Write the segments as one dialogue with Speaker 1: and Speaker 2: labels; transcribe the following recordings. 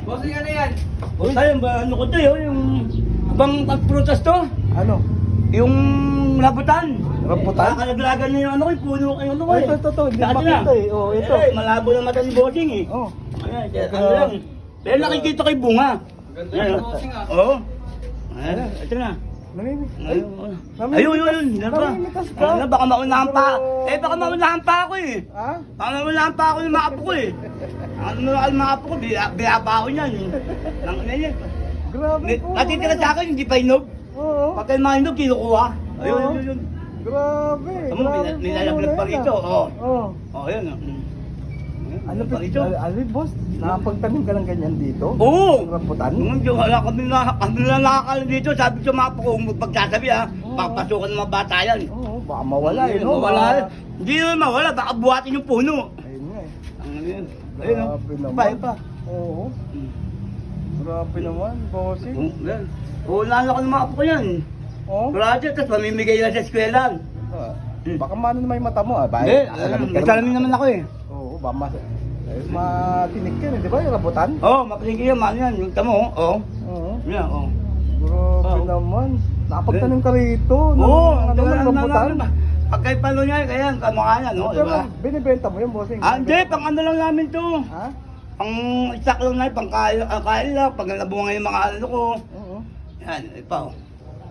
Speaker 1: Bossing ano yan?
Speaker 2: O tayo, ano ko to yung bang pagprutas to?
Speaker 3: Ano?
Speaker 2: Yung rambutan.
Speaker 3: Rambutan?
Speaker 2: Kakalaglagan na yung ano ko, yung puno ko, yung ano ko
Speaker 3: Ay, ito. Hindi makita eh. Oh, ito.
Speaker 2: Eh, malabo na mata ni Bossing eh.
Speaker 3: Oh.
Speaker 2: Ayan, ano lang. Pero nakikita ko yung bunga.
Speaker 1: Ganda
Speaker 2: Ayan,
Speaker 1: ng
Speaker 2: oh.
Speaker 1: bossing ah.
Speaker 2: Oo. Ayan, ito na.
Speaker 3: Namimik. Ay,
Speaker 2: Ayun. Ano ba?
Speaker 3: namimitas ka.
Speaker 2: Ano, baka maunahan pa. Eh, baka maunahan pa ako eh.
Speaker 3: Ha?
Speaker 2: Baka maunahan pa ako yung mga apo ko eh. Ano na mga apo ko, biyaba ako niyan eh. Nang yan.
Speaker 3: Grabe po.
Speaker 2: Natitira sa akin, hindi pa inog.
Speaker 3: Oo.
Speaker 2: Pagka yung mga inog, kinukuha. Ayun,
Speaker 3: Oo.
Speaker 2: yun.
Speaker 3: Grabe.
Speaker 2: Tama mo, nilalaglag pa rito. Oo.
Speaker 3: Oo.
Speaker 2: Oo, yun.
Speaker 3: Ano
Speaker 2: pa rito?
Speaker 3: boss? Nakapagtanim ka ng ganyan dito?
Speaker 2: Oo!
Speaker 3: Ng rambutan?
Speaker 2: Wala kami na nakakala dito. Sabi ko mga apo ko, pagsasabi ha,
Speaker 3: Oo.
Speaker 2: papasukan ng mga bata yan.
Speaker 3: Oo, baka mawala eh, no?
Speaker 2: Mawala.
Speaker 3: Baka-
Speaker 2: Hindi naman mawala, baka buhatin yung puno.
Speaker 3: Ayun nga eh.
Speaker 2: Ano yun? Ayun, oh.
Speaker 3: Grabe naman.
Speaker 2: Pa.
Speaker 3: Oo. Grabe naman, bossing.
Speaker 2: Yan. Unahan ako ng mga apo ko yan.
Speaker 3: Oo.
Speaker 2: Project, tapos mamimigay lang sa eskwela.
Speaker 3: Baka mano na may mata mo ah.
Speaker 2: Hindi, nagkalamin naman ako eh.
Speaker 3: Oo, baka matinik yan eh, di ba yung rambutan?
Speaker 2: Oo, mapalingki yan, man yan. Yung tamo, oo.
Speaker 3: Oo.
Speaker 2: Yan, oo.
Speaker 3: Grabe
Speaker 2: Oo.
Speaker 3: naman. Nakapagtanim ka rito.
Speaker 2: Oo,
Speaker 3: ano, rambutan?
Speaker 2: Pagkay palo niya, kaya kamukha niya, no?
Speaker 3: Pero
Speaker 2: Diba?
Speaker 3: binibenta mo yung bossing.
Speaker 2: Ah, hindi, pang ano lang namin to.
Speaker 3: Ha?
Speaker 2: Pang isak lang na, pang kain lang, pag nabunga yung mga ano ko.
Speaker 3: Oo.
Speaker 2: Yan, ipa, oh.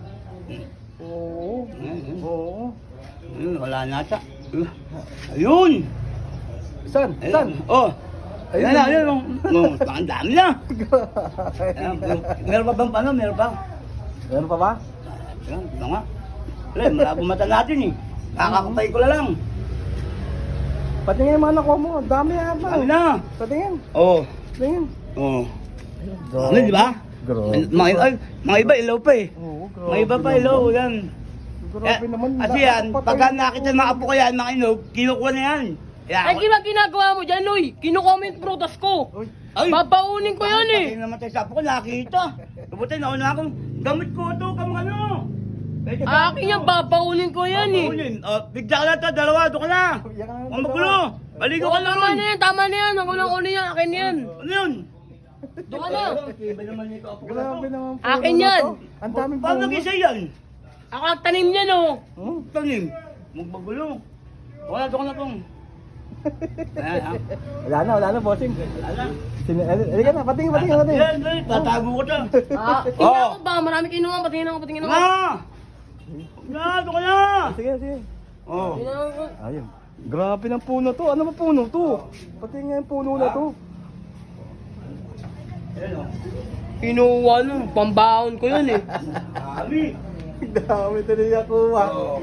Speaker 3: Oo. Oo.
Speaker 2: Ayun, wala na siya. Ayun!
Speaker 3: Saan? Saan?
Speaker 2: Oh!
Speaker 3: Ayun.
Speaker 2: Ayun na, ayun. Oh, ang dami na. Ayan, meron pa bang paano? Meron pa?
Speaker 3: Meron pa ba?
Speaker 2: Ayan, ito nga. Wala, malabo mata natin eh. Nakakapay ko na lang.
Speaker 3: Patingin yung mga nakuha mo. Dami yata.
Speaker 2: Dami na.
Speaker 3: Patingin.
Speaker 2: Oh.
Speaker 3: Patingin.
Speaker 2: Oh. Ano, di ba?
Speaker 3: Grabe.
Speaker 2: Mga iba, ilaw pa eh.
Speaker 3: Oo, grabe.
Speaker 2: Mga iba pa, ilaw. Yan.
Speaker 3: Grabe naman.
Speaker 2: Kasi yan, pagka nakita ng mga apo ko yan, mga inog, kinukuha na yan.
Speaker 4: Ay, ginagawa mo dyan, Loy. Kinukomment prutas ko.
Speaker 3: Uy.
Speaker 2: Ay!
Speaker 4: Babaunin ko yan eh.
Speaker 2: Pati namatay sa apo ko, nakita. Kabuti, nauna akong, gamit ko ito, kamang ano.
Speaker 4: Akin yan, babaunin ko yan eh.
Speaker 2: Bigla ka na ito, dalawa, doon ka na.
Speaker 3: Yan ang
Speaker 2: Ang magulo. Baligo ka na
Speaker 4: Tama
Speaker 2: ron.
Speaker 4: na yan, tama na yan. Ang ulang-ulo yan, akin yan.
Speaker 2: Ano yun?
Speaker 4: Doon ka na.
Speaker 2: Iba naman nito, apo ko na
Speaker 3: Grabe
Speaker 2: to.
Speaker 3: naman.
Speaker 4: Akin
Speaker 3: puno na
Speaker 4: yan.
Speaker 3: to. Ang daming
Speaker 2: Paano
Speaker 3: puno.
Speaker 2: nag-isa yan?
Speaker 4: Ako nagtanim yan oh.
Speaker 2: Tanim. Magbagulo. Wala, doon ka na pong. Ayan, ha?
Speaker 3: Wala na, bossing.
Speaker 2: Wala.
Speaker 3: Halika na, patingin.
Speaker 2: Yan, yan, tatago ko to.
Speaker 4: Tingnan ako ba? Marami kinuha. Patingin ako.
Speaker 2: Na! Na, doon ka na!
Speaker 3: Sige.
Speaker 2: Oh.
Speaker 4: Tingnan ako.
Speaker 3: Ayun. Grabe ng puno to. Ano ba puno to? Patingin yung puno na to.
Speaker 2: Ayan, oh.
Speaker 4: Kinuha no. Pambaon ko yun eh.
Speaker 2: Dami.
Speaker 3: Dami ito niya kuha.
Speaker 2: Oh.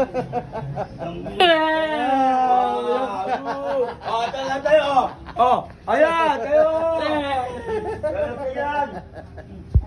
Speaker 2: Oh, tayo tayo. Oh, ayan, tayo. Tayo yan.